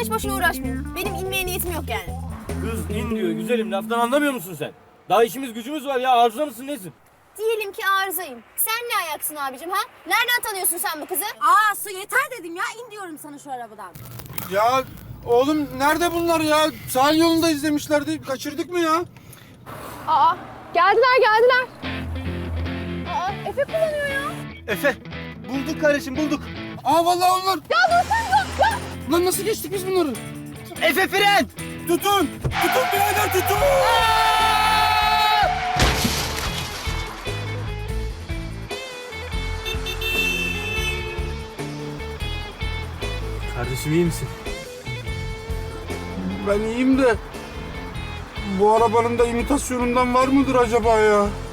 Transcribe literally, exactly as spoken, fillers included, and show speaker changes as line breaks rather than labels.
hiç boşuna uğraşmayın. Benim inmeye niyetim yok yani.
Kız in diyor güzelim, laftan anlamıyor musun sen? Daha işimiz gücümüz var ya, arıza mısın nesin?
Diyelim ki arızayım. Sen ne ayaksın abicim ha? Nereden tanıyorsun sen bu kızı?
Aa Su yeter dedim ya. İn diyorum sana şu arabadan.
Ya oğlum nerede bunlar ya? Sahil yolunda izlemişlerdi. Kaçırdık mı ya?
Aa, geldiler geldiler. Aa, Efe kullanıyor ya.
Efe. Bulduk kardeşim bulduk. Aa vallahi onlar.
Ya dur sen dur. Ya.
Lan nasıl geçtik biz bunları?
Efe fren!
Tutun. Tutun birader tutun.
Kardeşim iyi misin?
Ben iyiyim de bu arabanın da imitasyonundan var mıdır acaba ya?